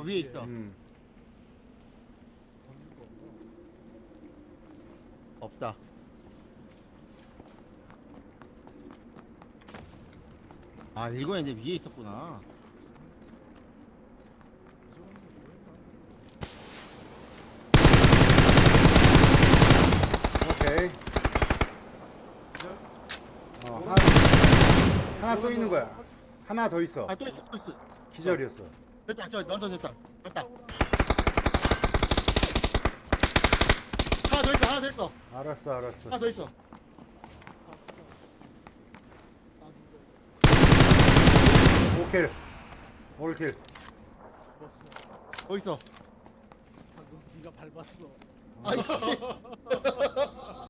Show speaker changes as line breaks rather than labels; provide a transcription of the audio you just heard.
위에 있어.
던질 거 없나?
없다. 아, 이거는 이제 위에 있었구나.
이 정도면 뭐였나?
오케이.
기절?
하나 또 있는 거야. 하나 더 있어.
아, 또 있어, 또 있어.
기절이었어.
됐다, 됐다. 됐다. 하나 더 있어.
알았어, 알았어.
하나 더 있어.
오킬. 올킬.
버스
더 있어.
방금 네가 밟았어.
아이씨.